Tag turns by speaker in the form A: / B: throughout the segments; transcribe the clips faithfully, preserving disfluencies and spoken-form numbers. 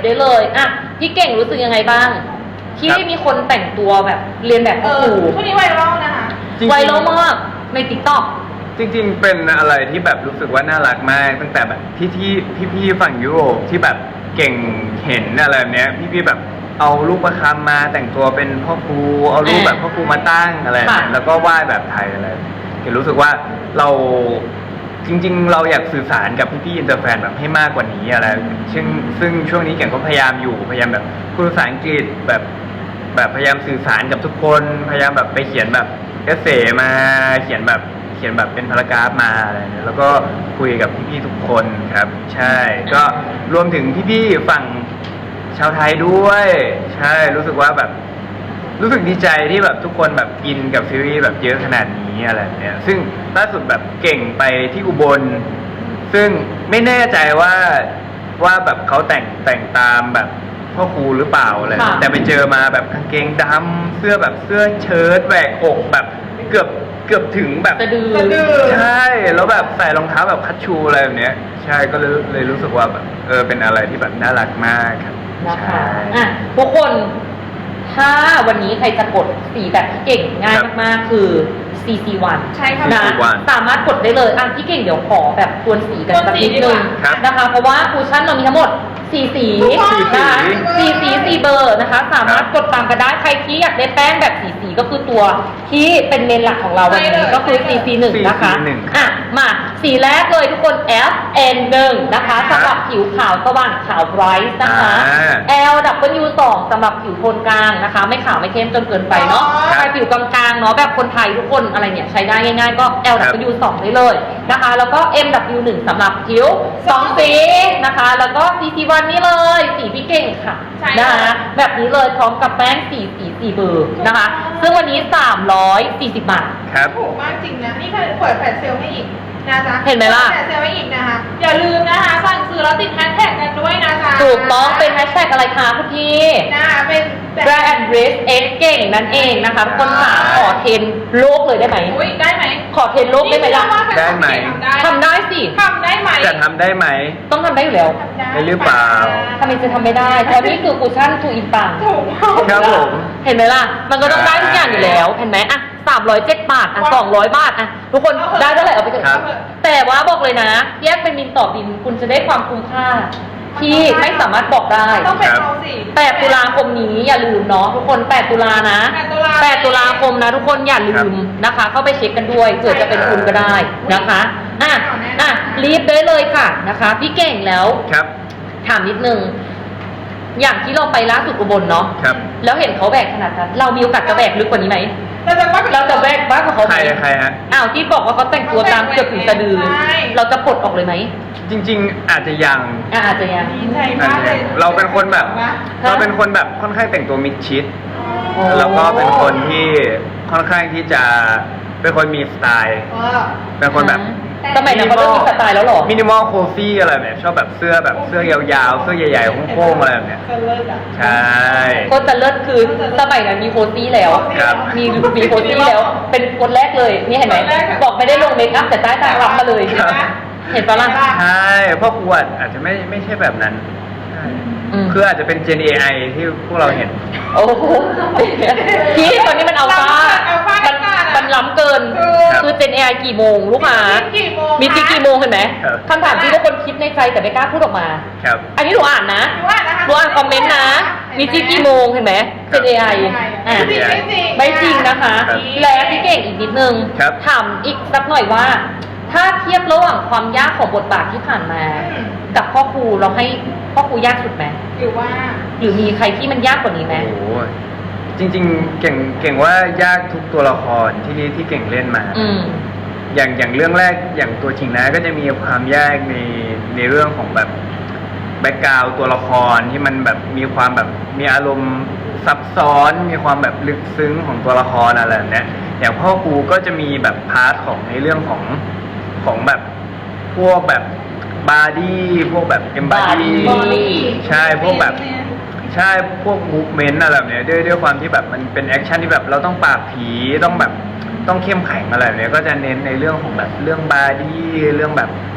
A: ได้เลยอ่ะพี่เก่งรู้สึกยังไงบ้างที่มีคนแต่งตัวแบบเรียนแบบพ่อครู
B: ช่วงนี้ไวรัลนะคะ
A: ไวรัลมากในติ๊กต็อก
C: จริงๆเป็นอะไรที่แบบรู้สึกว่าน่ารักมากตั้งแต่แบบที่ที่พี่ๆฝั่งยุโรปที่แบบเก่งเห็นอะไรแบบเนี้ยพี่ๆแบบเอาลูกประคำมาแต่งตัวเป็นพ่อครูเอารูปแบบพ่อครูมาตั้งอะไรแล้วก็ไหว้แบบไทยอะไรเห็นรู้สึกว่าเราจริงๆเราอยากสื่อสารกับพี่ๆอินเตอร์แฟนแบบให้มากกว่านี้อะไรซึ่งซึ่งช่วงนี้เก่งก็พยายามอยู่พยายามแบบพูดภาษาอังกฤษแบบแบบพยายามสื่อสารกับทุกคนพยายามแบบไปเขียนแบบเอเซ่มาเขียนแบบเขียนแบบเป็นพารากราฟมาอะไรเนี่ยแล้วก็คุยกับพี่ๆทุกคนครับใช่ก็รวมถึงพี่ๆฝั่งชาวไทยด้วยใช่รู้สึกว่าแบบรู้สึกดีใจที่แบบทุกคนแบบอินกับซีรีส์แบบเยอะขนาดนี้อะไรเนี่ยซึ่งล่าสุดแบบเก่งไปที่อุบลซึ่งไม่แน่ใจว่าว่าแบบเขาแต่งแต่งตามแบบพ่อครูหรือเปล่าอะไรแต่ไปเจอมาแบบกางเกงดำเสื้อแบบเสื้อเชิ้ตแหวกอกแบบเกือบเกือบถึงแบบ
A: สะดือ
C: ใช่แล้วแบบใส่รองเท้าแบบคัชชูอะไรแบบเนี้ยใช่ก็เลยเลยรู้สึกว่าแบบเออเป็นอะไรที่แบบน่ารักมากครับ
A: นะคะอ่ะทุกคนถ้าวันนี้ใครจะกดสีแบบพี่เก่งง่ายมากๆคือ ซี ซี วัน
B: ใช่ค่ะ
A: นะสามารถกดได้เลยอ่ะพี่เก่งเดี๋ยวขอแบบทวนสีกันสักนิดนึงนะคะเพราะว่าคูชั่นเรามีทั้งหมดสี่สีนะคะสี่สีสี่เบอร์นะคะสามารถกดตามกันได้ใครที่อยากได้แป้งแบบสีสีก็คือตัวที่เป็นเมนหลักของเราวันนี้ก็คือ ซี ซี หนึ่ง นะคะอ่ะมาสีแรกเลยทุกคน เอฟ เอ็น หนึ่ง นะคะสำหรับผิวขาวสว่างขาวไบรท์นะคะ แอล ดับเบิลยู สอง สำหรับผิวโทนกลางนะคะไม่ขาวไม่เข้มจนเกินไปเนาะใครผิวกลางๆเนาะแบบคนไทยทุกคนอะไรเนี่ยใช้ได้ง่ายๆก็ แอล ดับเบิลยู สอง ได้เลยนะคะแล้วก็ เอ็ม ดับเบิลยู หนึ่ง สำหรับผิวสองสีนะคะแล้วก็ ซี ซี วัน นี่เลยสีพี่เก่งค่ะนะคะแบบนี้เลยพร้อมกับแป้งสีสีสีเบอร์นะคะซึ่งวันนี้สามร้อยสี่สิบบาท
C: ครับ
B: ถูกมากจริงนะนี่เคยเปิดแฟลชเซลล์ให้อีกนะจ๊ะ
A: เห็นไหมล่ะ
B: แฟลชเซลล์ให้อีกนะคะอย่าลืมนะคะสั่งซื้อแล้วติดแฮชแท็กกันด้วยนะจ๊ะ
A: ถูกต้องเป็นแฮชแท็กอะไรคะคุณพี่
B: นะเป็น
A: Brand Address เอ็กเก่งนั่นเองนะคะคนขาขอเทรนโลกเลยได้ไหม
B: อุ้ยได้ไหม
A: ขอเทรนโลกได้ไหมล่ะ
C: ได้ไหม
A: ทำได้สิ
B: ทำได้ไหม
C: จะทำได้ไหม
A: ต้องทำได้อยู่แล้ว
C: ได้หรือเปล่า
A: ทำไมจะทำไม่ได้เพราะนี่คือคูชั่นทูอินปัง
B: ถูก
C: ครับผม
A: เห็นไหมล่ะมันก็ต้องได้ทุกอย่างอยู่แล้วเห็นไหมอ่ะสามร้อยเจ็ดบาทอ่ะสองร้อยบาทอ่ะทุกคนได้เท่าไหร่เอาไปเถอะแต่ว่าบอกเลยนะแยกเป็นบินต่อบินคุณจะได้ความคุ้มค่าที่ไม่สามารถบอกได้
B: ต้องเป็นเราสิ
A: แปดตุลาคมนี้อย่าลืมเนาะทุกคนแปดตุลานะแปดตุลาคมนะทุกคนอย่าลืมนะคะเข้าไปเช็คกันด้วยเผื่อจะเป็นคุณก็ได้นะคะอ่ะอ่ะรีบได้เลยค่ะนะคะพี่เก่งแล้ว
C: ครับ
A: ถามนิดนึงอย่างที่เราไปล่าสุดอุบลเนาะ
C: ครับ
A: แล้วเห็นเขาแบกขนาดนั้นเรามีโอกาสจะแบกลึกกว่านี้ไหม
B: เราจะ
A: เราจะแบกบ้างกว่าเขาไหม
C: ใครใครฮะ
A: อ้าวที่บอกว่าเขาแต่งตัวตามเกือบถึงสะดือเราจะปลดออกเลยไหม
C: จริงๆอาจจะยัง
A: อาจจะยัง
B: ดีใจมากเลย
C: เราเป็นคนแบบเราเป็นคนแบบค่อนข้างแต่งตัวมิดชิดแล้วก็เป็นคนที่ค่อนข้างที่จะเป็นคนมีสไตล์เป็นคนแบบ
A: สมัยนั้นเขาต้องมีสไตล์แล้วหรอ
C: มินิมอลโคฟี่อะไรแบบชอบแบบเสื้อแบบเสื้อยาวๆเสื้อใหญ่ๆโค้งๆอะไรแบบเนี้ยใช่
A: ก็จะเลิศคือสมัยนั้นมีโคซี่แล้วมีมีโคซี่แล้วเป็นคนแรกเลยนี่เห็นไหมบอกไม่ได้ลงเมคอัพแต่ใต้ตารับมาเลยเห็นปะล่ะ
C: ใช่เพราะครูอาจจะไม่ไม่ใช่แบบนั้นคืออาจจะเป็น Gen เอ ไอ ที่พวกเราเห็น
A: โอ้โหที่ตอนนี้มันเอาฟ้ามันมันล้ำเกินคือ Gen เอ ไอ กี่โมงลูกหมามีที่กี่โมงเห็นไหมคำถามที่ทุกคนคิดในใจแต่ไม่กล้าพูดออกมาอันนี้หนูอ่านนะหนูอ่านคอมเมนต์นะมีที่กี่โมงเห็นไหม Gen เอ ไอ อ่ะไม่จริงนะคะและพี่เก่งอีกนิดนึงถามอีกสักหน่อยว่าถ้าเทียบระหว่างความยากของบทบาทที่ผ่านมากับพ่อครูเราให้พ่อครูยากสุดไหม
B: หรือว่า
A: หรือมีใครที่มันยากกว่านี้ไหม
C: โอ้จริงๆเก่งเก่งว่ายากทุกตัวละครที่ที่เก่งเล่นมาอย่างอย่างเรื่องแรกอย่างตัวจริงนะก็จะมีความยากในในเรื่องของแบบแบ็กกราวด์ตัวละครที่มันแบบมีความแบบมีอารมณ์ซับซ้อนมีความแบบลึกซึ้งของตัวละครอะไรแบบนี้อย่างพ่อครูก็จะมีแบบพาร์ทของในเรื่องของของแบบพวกแบบบาร์ดี้พวกแบบเอมบาร์ดี้ใช่พวกแบบใช่พวกมูฟเมนต์อะไรแบบเนี้ยด้วยด้วยความที่แบบมันเป็นแอคชั่นที่แบบเราต้องปราบผีต้องแบบต้องเข้มแข็งอะไรแบบเนี้ยก็จะเน้นในเรื่องของแบบเรื่องบาร์ดี้เรื่องแบบ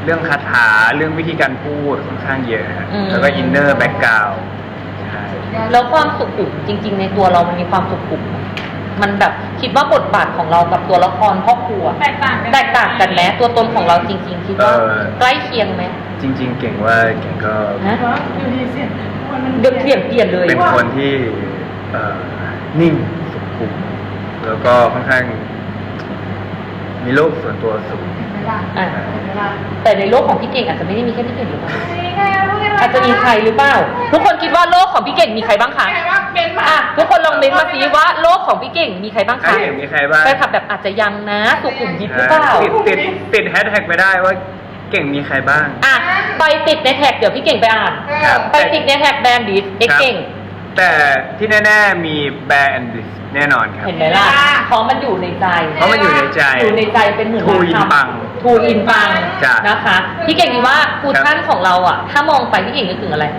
C: เรื่องคาถาเรื่องวิธีการพูดค่อนข้างเยอะฮะ
A: อืม
C: แล้วก็อินเนอร์แบ็กกราวด์ใช่
A: แล้วความสุขุมจริง ๆ ในตัวเรามันมีความสุขุมไหมมันแบบคิดว่าบทบาทของเรากับตัวละครพ่อครัว
B: แตกต่างกัน
A: แตกต่างกันไหมตัวตนของเราจริง ๆ คิดว่า
C: เออ
A: ใกล้เคียงไหม
C: จริง ๆ เก่งว่าเก่งก็
A: ฮะ
B: อยู่ดีเสียงมัน
A: เดือดเปลี่ยนเปลี่ยนเลย
C: เป็นคนที่เอ่อนิ่งสุขุมแล้วก็ค่อนข้าง มีโลกส่วนตัวสูง
A: อ่ะแต่ในโลกของพี่เก่งอาจจะไม่ได้มีแค่พี่เก่งหรือเปล่า
B: นี่ไงพูดกัน
A: อาจจะมีใครหรือเปล่า ทุกคนคิดว่าโลกของพี่เก่งมีใครบ้างคะ
B: ไงว่าเป็นมา
A: อ่ะทุกคนลองเม้นต์มาสิว่าโลกของพี่เก่งมีใครบ้าง
C: ใคร
A: คะ
C: เห็นมีใครบ้าง
A: แฟนคลับแบบอาจจะยังนะสุขุมยิบหรือเปล่า
C: ติดติดติดแฮชแท็กไปได้ว่าเก่งมีใครบ้าง
A: อ่ะไปติดในแท็กเดี๋ยวพี่เก่งไปอ่าน
C: ครับ
A: ไปติดในแท็กแบรนด์ดิสเด็กเก่ง
C: แต่ที่แน่ๆมีแบรนด์แน่นอนครับ
A: เห็นไหมล่ะเพราะมันอยู่ในใจ
C: เพราะมันอยู่ในใจ
A: อยู่ในใจเป็นหมื่น
C: ทูอินปัง
A: ทูอินปัง
C: จ้ะ
A: นะคะ พี่เก่งดีว่าคูชั่นของเราอ่ะ ถ้ามองไปพี่เก่งนึกถึงอะไร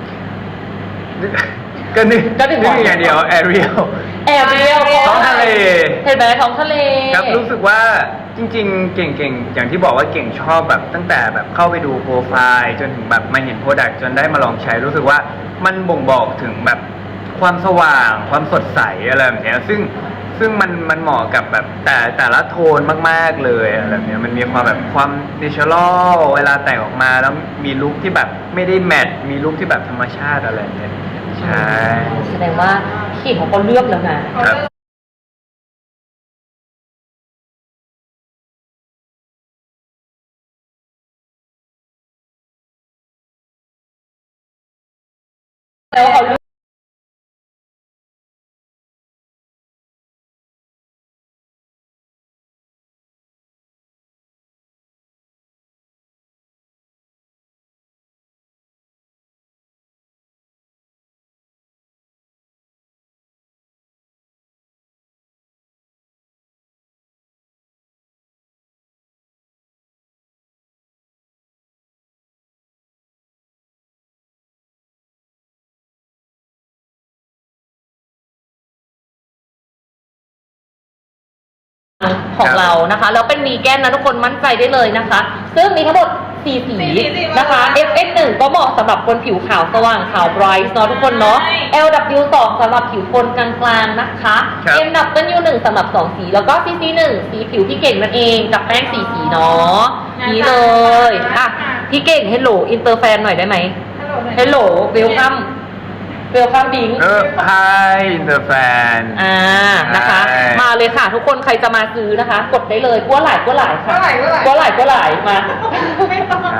C: ก็นึก
A: ก็นึก
C: นึกอย่างเดียวแอเรียล
A: แอร์เรียล
C: ท้องทะเล
A: เห็นไหมท้องทะเล
C: ครับรู้สึกว่าจริงๆ เก่งๆ อย่างที่บอกว่าเก่งชอบแบบตั้งแต่แบบเข้าไปดูโปรไฟล์จนถึงแบบมาเห็นโปรดักต์จนได้มาลองใช้รู้สึกว่ามันบ่งบอกถึงแบบความสว่าง ความสดใสอะไรแบบเนี้ยซึ่งซึ่งมันมันเหมาะกับแบบแต่แต่ละโทนมากๆเลยอะไรแบบเนี้ยมันมีความแบบความเนเชอรัลเวลาแต่งออกมาแล้วมีลุคที่แบบไม่ได้แมทมีลุคที่แบบธรรมชาติอะไรแบบเนี้ยใช่
A: แสดงว่าพี่เก่งเขาก็เลือกแล้วนะ
C: ครับ
A: แล้วเขาเลือกของเรานะคะ แล้วเป็นวีแกนนะทุกคนมั่นใจได้เลยนะคะ ซึ่งมีทั้งหมดสี่สีนะคะ เอฟ เอ็กซ์ หนึ่ง ก็เหมาะสำหรับคนผิวขาวสว่างขาวไบรท์เนาะทุกคนเนาะ แอล ดับเบิลยู สอง สำหรับผิวคนกลางๆนะคะ
C: ครับ
A: เอ็ม ดับเบิลยู หนึ่ง สำหรับสองสี แล้วก็ ซี ซี หนึ่ง สีผิวพี่เก่งนั่นเองกับแป้งสีสีเนาะนี่เลยอ่ะพี่เก่งเฮลโหลอินเตอร์แฟนหน่อยได้ไหม
B: ฮัลโหล
A: เฮลโหลเวลคัมเวลคัมบิง
C: เออ Hi the fan
A: อ่า นะคะ
C: ใช่
A: มาเลยค่ะ ทุกคนใครจะมาซื้อนะคะ กดได้เลยกัวหลายกัวหลายค่ะ
B: กัวหลายกัวหลาย
A: กัวหลายกัวหลายมา
B: ไม่ต้อง
C: ใช่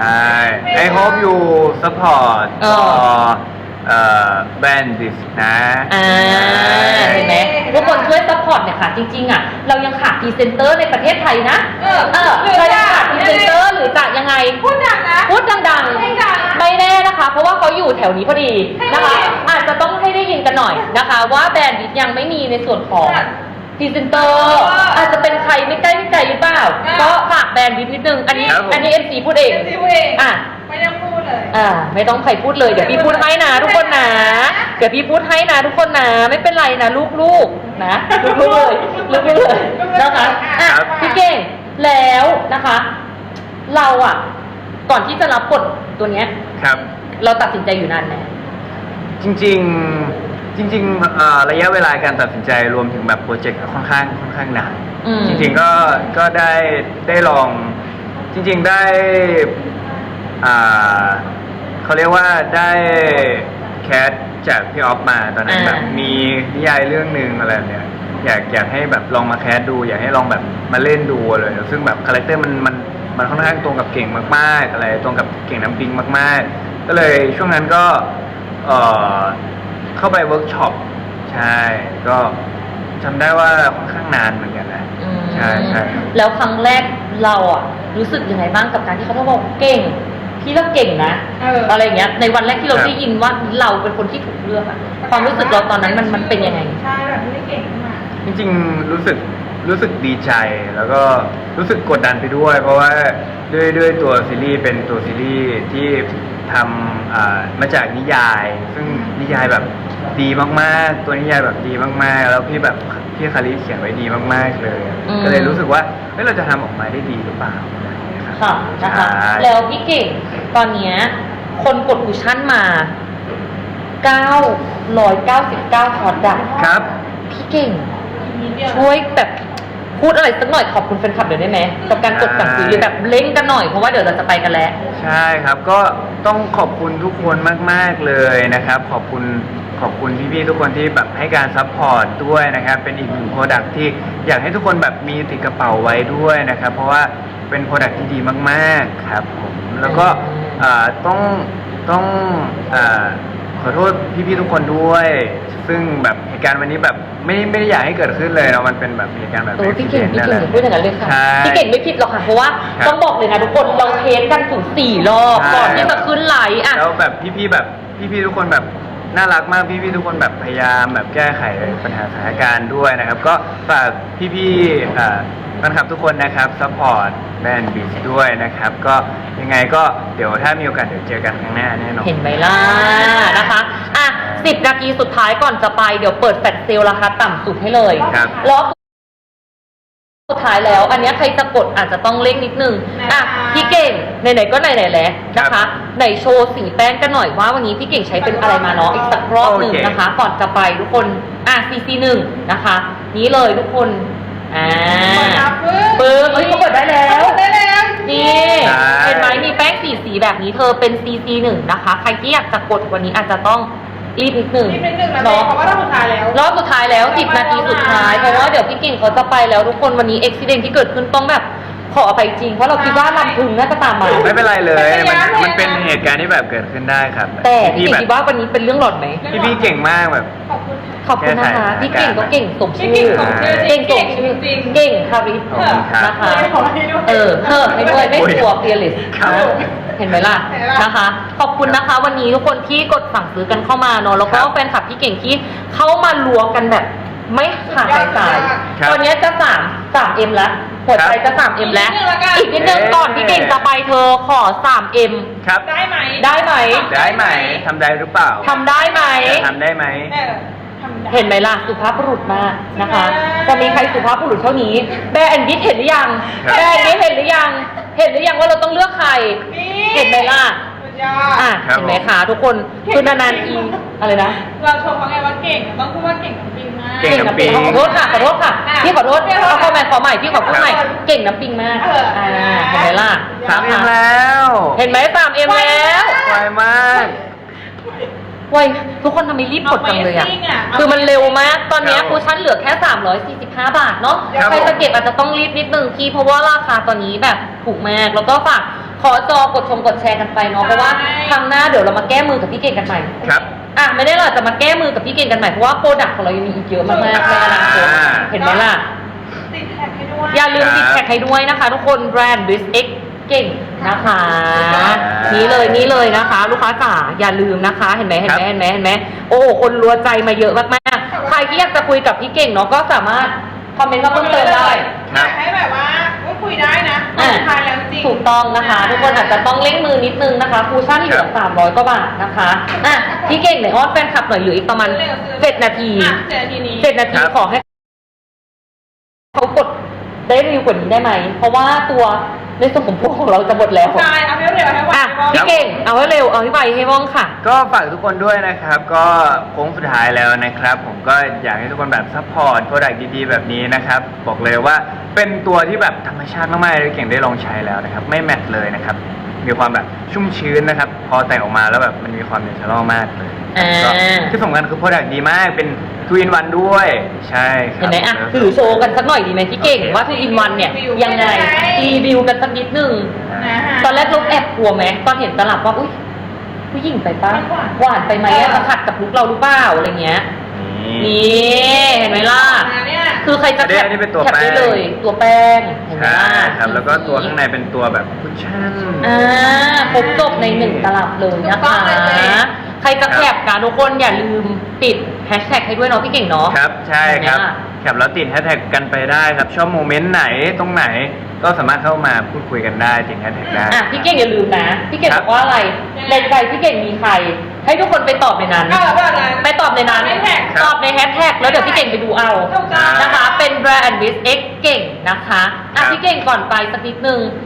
C: I hope you support
A: เออ
C: for เอ่อ brand this นะ
A: อ่า เห็นไหมทุกคนช่วยซัพพอร์ตเนี่ยค่ะ จริงๆอ่ะ เรายังขาดพรีเซนเตอร์ในประเทศไทยนะ
B: เออ
A: เออ
B: หรือ
A: เรายัง
B: จะ
A: ขาดพรีเซนเตอร์หรือจะยังไง
B: พูดดังนะ
A: พูดดัง
B: ไม่ดัง
A: ๆ ไม่แน่นะคะ เพราะว่าเขาอยู่แถวนี้พอดีนะคะ อาจจะต้องให้ได้ยินกันหน่อยนะคะ ว่าแบรนด์ดิสยังไม่มีในส่วนของ
B: ค่ะ
A: พรีเซนเตอร์อาจจะเป็นใครไม่ใกล้ไม่ไกลหรือเปล่า
B: อ่า
A: ก็ฝากแบรนด์ดิสนิดนึง อันนี้
C: ครับผม
A: อันนี้เอ็มซีพูดเอง
B: เอ็มซีพูดเอง
A: อ่ะ
B: ไม่ต้องพูดเลย
A: อ่า ไม่ต้องใครพูดเลย เดี๋ยวพี่พูดให้นะทุกคนนะ เดี๋ยวพี่พูดให้นะทุกคนนะ ไม่เป็นไรนะลูกๆนะลูกๆเลยลูกๆเลยนะคะอ่ะ
C: ครับ
A: พี่เก่งแล้วนะคะ เราอ่ะ ก่อนที่จะรับบทตัวเนี้ย
C: ครับ
A: เราตัดสินใจอยู่นานไหม
C: จริงๆ จริงๆเอ่อระยะเวลาการตัดสินใจรวมถึงแบบโปรเจกต์ค่อนข้างค่อนข้างนาน
A: อืม
C: จริงๆก็ก็ได้ได้ลองจริงๆได้อ่าเขาเรียกว่าได้แคสจากพี่ออฟมาตอนนั้น
A: อ่า
C: แบบมีนิยายเรื่องหนึ่งอะไรแบบเนี้ยอยากอยากให้แบบลองมาแคสดู อยากให้ลองแบบมาเล่นดูเลยซึ่งแบบคาแรคเตอร์มันมันมันค่อนข้างตรงกับเก่งมากๆอะไรตรงกับเก่งน้ำปิงมากๆ ก็เลยช่วงนั้นก็เอ่อเข้าไปเวิร์กช็อปใช่ก็จำได้ว่าค่อนข้างนานเหมือนกันนะ
A: อืม
C: ใช่ใช่
A: แล้วครั้งแรกเราอ่ะ รู้สึกยังไงบ้างกับการที่เขาบอกเก่ง พี่เราเก่งนะ
B: เอออ
A: อะไรอย่างเงี้ย ในวันแรกที่เรา
C: ครับ
A: ได้ยินว่าเราเป็นคนที่ถูกเลือกอะความรู้สึกเราตอนนั้นมันมันเป็นยังไง
B: ใช่แบบไม่ได้เก่งขึ้นมา
C: จริงๆรู้สึกรู้สึกดีใจแล้วก็รู้สึกกดดันไปด้วย เพราะว่าด้วยด้วยตัวซีรีส์เป็นตัวซีรีส์ที่ทำอ่ามาจากนิยาย ซึ่งนิยายแบบดีมากๆ ตัวนิยายแบบดีมากๆ แล้วพี่แบบพี่คาริเขียนไว้ดีมากๆเลย
A: อืม
C: ก็เลยรู้สึกว่าเฮ้ยเราจะทำออกมาได้ดีหรือเปล่าอะไรอย่างเงี้ยครับ
A: ค่ะนะคะ
C: ใช่
A: แล้วพี่เก่งตอนเนี้ยคนกดคูชั่นมาเก้าร้อยเก้าสิบเก้าพอร์ตอะ
C: ครับ
A: พี่เก่ง
B: อีกนิดเดียว
A: ช่วยแบบพูดอะไรสักหน่อยขอบคุณแฟนคลับเดี๋ยวได้ไหมกับการกดสั่งซื้อหรือแบบเล่นกันหน่อยเพราะว่าเดี๋ยวเราจะไปกันแล้ว
C: ใช่ครับก็ต้องขอบคุณทุกคนมาก ๆ เลยนะครับ ขอบคุณขอบคุณพี่ๆทุกคนที่แบบให้การซัพพอร์ตด้วยนะครับ เป็นอีกหนึ่งโปรดักที่อยากให้ทุกคนแบบมีติดกระเป๋าไว้ด้วยนะครับ เพราะว่าเป็นโปรดักที่ดีมากๆครับผมแล้วก็เอ่อต้องต้องเอ่อขอโทษพี่ๆทุกคนด้วย ซึ่งแบบเหตุการณ์วันนี้แบบไม่ไม่ได้อยากให้เกิดขึ้นเลยเนาะมันเป็นแบบเหตุการณ์แบบ
A: โอ้พี่เก่ง
C: accident
A: พี่
C: นั่น
A: เก่
C: แห
A: ง
C: ละ
A: พูดอย่างนั้นเลยค่ะ
C: ใช่
A: พี่เก่งไม่ผิดหรอกค่ะเพราะว่า
C: ครับ
A: ต้องบอกเลยนะทุกคนเราเทสกันถึงสี่รอบ
C: ใช่
A: ก่อนที่จะขึ้นไลฟ์อ่ะ
C: แล้วแบบพี่ๆแบบพี่ๆทุกคนแบบน่ารักมากพี่ๆทุกคนแบบพยายามแบบแก้ไขปัญหาสถานการณ์ด้วยนะครับ ก็ฝากพี่ๆเอ่อแฟนคลับทุกคนนะครับซัพพอร์ตแบรนด์บีชด้วยนะครับ ก็ยังไงก็เดี๋ยวถ้ามีโอกาสเดี๋ยวเจอกันครั้งหน้าแน่นอน
A: เห็นไหมล่ะนะคะอ่ะสิบนาทีสุดท้ายก่อนจะไปเดี๋ยวเปิดแฟลชเซลล์ราคาต่ำสุดให้เลย
C: ครับ
A: รอบสุดท้ายแล้ว อันเนี้ยใครจะกดอาจจะต้องเร่งนิดนึงอ่ะพี่เก่งไหนๆก็ไหนๆแล้วนะคะไหนโชว์สีแป้งกันหน่อยว่าวันนี้พี่เก่งใช้เป็นอะไรมาเนาะอีกสักรอบหนึ่งนะคะ ก่อนจะไปทุกคนอ่ะซีซีหนึ่งนะคะ นี้เลยทุกคนอ่า
B: เปิด
A: ปึ้งเอ้ยเขาเปิดได้แล้ว
B: ได้แล้ว
A: นี่
C: ใช่
A: เห็นไหมมีแป้งสีสีแบบนี้เธอเป็น ซี ซี หนึ่งนะคะ ใครที่อยากจะกดวันนี้อาจจะต้องรีบนิดหนึ่ง
B: นี่เป็นหนึ่งนะ
A: เนาะ
B: เพราะว่าเราสุดท้ายแล้ว
A: รอบสุดท้ายแล้วสิบนาทีสุดท้ายเพราะว่าเดี๋ยวพี่กิ่งเขาจะไปแล้วทุกคนวันนี้อุบิเหตุที่เกิดขึ้นต้องแบบขออภัยจริงเพราะเราคิดว่าลำพึงน่าจะตามมา
C: ไม่เป็นไรเลย
B: ไม่
C: มัน
B: เป็นไร
C: มันเป็นเหตุการณ์ที่แบบเกิดขึ้นได้ครับ
A: แต่พี่
C: พี่
A: กิ่ง
C: แบบ
A: คิดว่าวันนี้เป็นเรื่องหลอนไหม
C: พี่พี่ๆเก่งมากแบบ
B: ขอบคุณ
A: ขอบคุณนะคะ
C: แก้ไข
A: พี่เก่งก็เก่งสมชื่อ
B: พี่เก่งสมชื่อ
A: เก่งสมชื่อ
B: จริงๆ
A: เก่งคาริส
C: ขอบคุณครับ
A: นะคะ
B: ขอให้ด้วย
A: เออเพิ่มให้ด้วยไม่กลัวเฟียริส
C: ครับ
A: เห็นไหมล่ะ
B: เห็นไหมล่ะ
A: นะคะ ขอบคุณนะคะ วันนี้ทุกคนที่กดสั่งซื้อกันเข้ามาเนอะแล้วก็
C: ครับ
A: แฟนคลับพี่เก่งที่เข้ามารัวกันแบบไม่ขาดสายสาย
C: ครับ
A: ตอนนี้จะสามสามเอ็มแล้วหัวใจจะสามเอ็มแล้ว อีกนิดนึงก่อนพี่เก่งจะไปเธอขอสามเอ็ม
C: ครับ
B: ได้ไหม
A: ได้ไหม
C: ได้ไหมทำได้หรือเปล่า
A: ทำได้ไหม
C: จะทำได้ไหม
B: ได้เหรอทำได้
A: เห็นไหมล่ะสุภาพบุรุษมากนะคะ
B: ใช่ไหม
A: จะมีใครสุภาพบุรุษเท่านี้แบรนด์ดิสเห็นหรือยัง
C: ครับ
A: แบรนด์ดิสเห็นหรือยัง เห็นหรือยังว่าเราต้องเลือกใคร
B: นี่
A: เห็นไหมล่ะ
B: สุดยอด
A: อ่ะ
C: ครับ
A: เห็นไหมคะทุกคนคือนานๆทีอะไรนะ
B: เราชมเขาไงว่าเก่งต้องพูดว่าเก่งน้ำปิงมาก
C: เก่งน้ำปิง
A: ขอโทษค่ะขอโทษค่ะพี่ขอโทษเอาเข้ามาขอใหม่พี่ขอพูดใหม่เก่งน้ำปิงมาก
B: เอออ่
A: อ่าเห็นไหมล่ะ
C: สามเอ็มแล้ว
A: เห็นไหมสามเอ็มแล้ว
C: ไวมาก
A: เว้ยทุกคนทำไมรีบกดจังเลยอ่ะ
B: Amazing อะ
A: คือมันเร็วมาก ตอนเนี้ย
C: ครับ
A: คูชั่นเหลือแค่ สามร้อยสี่สิบห้า บาทเนาะ
C: ครับ
A: ใครจะเก็บอาจจะต้องรีบนิดนึงพี่เพราะว่าราคาตอนนี้แบบถูกมาก แล้วก็ฝากขอจอกดชมกดแชร์กันไปเนาะ เพราะว่าครั้งหน้าเดี๋ยวเรามาแก้มือกับพี่เก่งกันใหม่
C: ครับ
A: อ่ะไม่ได้หรอกจะมาแก้มือกับพี่เก่งกันใหม่เพราะว่าโปรดักต์ของเรายังมีอีกเยอะมากๆในอนาคต
C: อ่า
A: เห็นไหมล่ะ
B: ติดแท็กให้ด้วย
A: อย่าลืม
C: ครับ
A: ติดแท็กให้ด้วยนะคะ ทุกคนแบรนด์ b ิส X เก่งนะคะ
C: ครับ
A: นี่เลยนี่เลยนะคะ ลูกค้าจ๋าอย่าลืมนะคะ เห็นไหมเห็นไหม
C: ครับ
A: เห็นไหมเห็นไหมโอ้โหคนรัวใจมาเยอะมากๆใครที่อยากจะคุยกับพี่เก่งเนาะก็สามารถคอมเมนต์มาเพิ่มเติมได้
B: อยากให้แบบว่าพูดคุยได้นะ
A: อ่ะ
B: สุดท้ายแล้วจริง
A: ถูกต้องนะคะ ทุกคนอาจจะต้องเล่งมือนิดนึงนะคะคูชั่นเหลือสามร้อยกว่าบาทนะคะอ่ะพี่เก่งไหนอ้อนแฟนคลับหน่อยเหลืออีกประมาณเจ็ดนาที
B: อ่ะเจ็ดนาทีนี้
A: เจ็ดนาที
C: ครับ
A: ขอให้เขากดได้เร็วกว่านี้ได้ไหม เพราะว่าตัวในส่วนของพวกของเราจะหมดแล้ว
B: ใช่เอาให้เร็วให้ไว
A: อ่ะพี่เก่งเอาให้เร็วเอาให้ไวให้ว่องค่ะ
C: ก็ฝากทุกคนด้วยนะครับ ก็โค้งสุดท้ายแล้วนะครับ ผมก็อยากให้ทุกคนแบบซัพพอร์ตโปรดักต์ดีๆแบบนี้นะครับ บอกเลยว่าเป็นตัวที่แบบธรรมชาติมากๆเลยเก่งได้ลองใช้แล้วนะครับ ไม่แมทเลยนะครับ มีความแบบชุ่มชื้นนะครับ พอแต่งออกมาแล้วแบบมันมีความเนเชอรัลมากเลย
A: อ่า
C: ก็ที่สำคัญคือโปรดักต์ดีมากเป็นทูอินวันด้วย ใช่ครับ
A: เห็นไหมอ่ะถือโชว์กันสักหน่อยดีไหมพี่เก่ง
C: โอเค
A: ว่าทูอินวันเนี่ยยังไงรีวิวกันสักนิดนึง
B: นะฮะ
A: ตอนแรกเราแอบกลัวไหมตอนเห็นตลับว่าอุ้ยผู้หญิงไปปะ
B: ไม่หวาน
A: หวานไปไหมอะจะขัดกับลุกเราหรือเปล่าอะไรเงี้ย
C: นี่
A: นี่เห็นไหมล่ะ
B: มาเนี่ย
A: คือใครจะแคป
C: อันนี้เป็นตัว
A: แคปได้
C: แป้ง
A: เลย ตัวแป้งเห็นไหม
C: ใช่
A: ล่ะ
C: ครับ แล้วก็ตัวข้างในเป็นตัวแบบคุชชั่น
A: อ่าครบจบในหนึ่งตลับเลยนะ
B: ถูกต้อ
A: คะ
B: งเลย
A: ใครจะแคปกันทุกคนอย่าลืมติดแฮชแท็กให้ด้วยเนาะพี่เก่งเนาะ
C: ครับ ใช่ครับ
A: เห็นไหมล่ะ
C: แคปแล้วติดแฮชแท็กกันไปได้ครับ ชอบโมเมนต์ไหนตรงไหน ก็สามารถเข้ามาพูดคุยกันได้ติดแฮชแท็กได้
A: อ่ะพี่เก่งอย่าลืมนะ พี่เก่ง
C: ครับ บ
A: อกว่าอะไรในใจพี่เก่งมีใคร ให้ทุกคนไปตอบในนั้น
B: เอาแบบนั้น
A: ไปตอบในนั้น
B: แฮชแท็ก
A: ตอบในแฮชแท็กแล้วเดี๋ยวพี่เก่งไปดูเอา
B: ถูกต้อง
A: นะคะ เป็นแบรนด์ with X เก่งนะคะอ่ะ
C: ครับ
A: พี่เก่งก่อนไปสักนิดนึง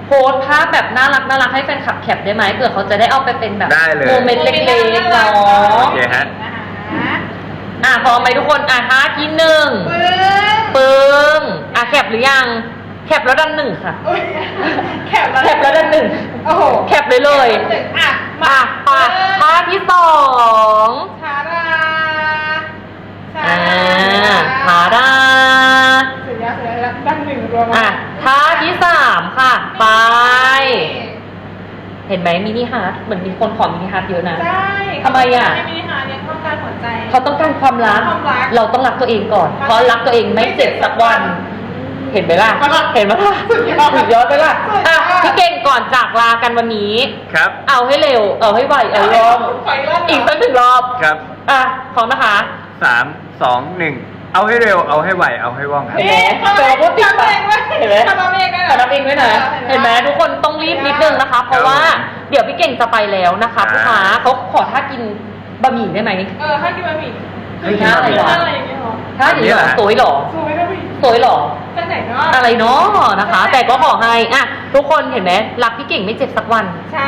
A: โพสต์ภาพแบบน่ารักน่ารักให้แฟนคลับแคปได้ไหมเผื่อเขาจะได้เอาไปเป็นแบบ
C: ได้เลย
A: โมเมนต์เล็กๆเนาะ
C: โอเคฮะ
B: นะคะ
A: อ่ะพร้อมไหมทุกคนอ่ะท่าที่หนึ่ง
B: ปึ้ง
A: ปึ้งอ่ะแคปหรือยังแคปแล้วดันหนึ่งค่ะ
B: อุ๊ยแคปแล้ว
A: แคปแล้วดันหนึ่ง
B: โอ้โห
A: แคปเลยเลย
B: หนึ่งอ่ะ
A: อ่ะไปท่าที่สอง
B: ชาดาชา
A: อ่า
B: ดา
A: ขาดา
B: สุดยอดสุดยอดดังหนึ่งรวม
A: อ่ะท่าที่สามค่ะ ไป เห็นไหมมินิฮาร์ทเหมือนมีคนขอมินิฮาร์ทเยอะนะ
B: ใช่
A: ทำไมอ่ะ
B: ให้มินิฮาร์ทเนี่ยต้องการหัวใจ
A: เขาต้องการความรัก
B: ความรัก
A: เราต้องรักตัวเองก่อน เพราะรักตัวเองไม่เจ็บสักวัน เห็นไหมล่ะ เห็นไหมล่ะ
B: สุดยอด
A: สุดยอดไปล่ะ
B: สุดยอด
A: อ่ะพี่เก่งก่อนจากลากันวันนี้
C: ครับ
A: เอาให้เร็ว เอาให้ไว เอาให้รอบ
B: ขออีกรอบ
A: อีกสักหนึ่งรอบ
C: ครับ
A: อ่ะพร้อมนะคะ
C: สามสองหนึ่งเอาให้เร็วเอาให้ไวเอาให้ว่องครับ
A: เห็นไหม
B: เขา
A: แต่เราพูดติด
B: ทำ
A: ปะ
B: เองด้วย
A: เห็นไหม
B: ทำเองด้วย
A: ทำเองด้วยนะเห็นไหมทุกคนต้องรีบนิดนึงนะคะ เพราะว่าเดี๋ยวพี่เก่งจะไปแล้วนะคะ
C: ครับ
A: ลูกค้าเขาขอท่ากินบะหมี่ได้ไหม
B: เออให้กินบะหมี่
C: ให้กินบะหมี่
B: ท่าอะไรอย่างเงี้ยเหรอ
A: ท่าอย่างนี้เหรอ
C: อันนี้เหรอ
A: สวยเหรอ
B: สวยนะพี่
A: สวยเหรอ
B: ไปไหนเนาะ
A: อะไรเนาะนะคะ แต่ก็ขอให้อ่ะทุกคนเห็นไหมรักพี่เก่งไม่เจ็บสักวัน
B: ใช่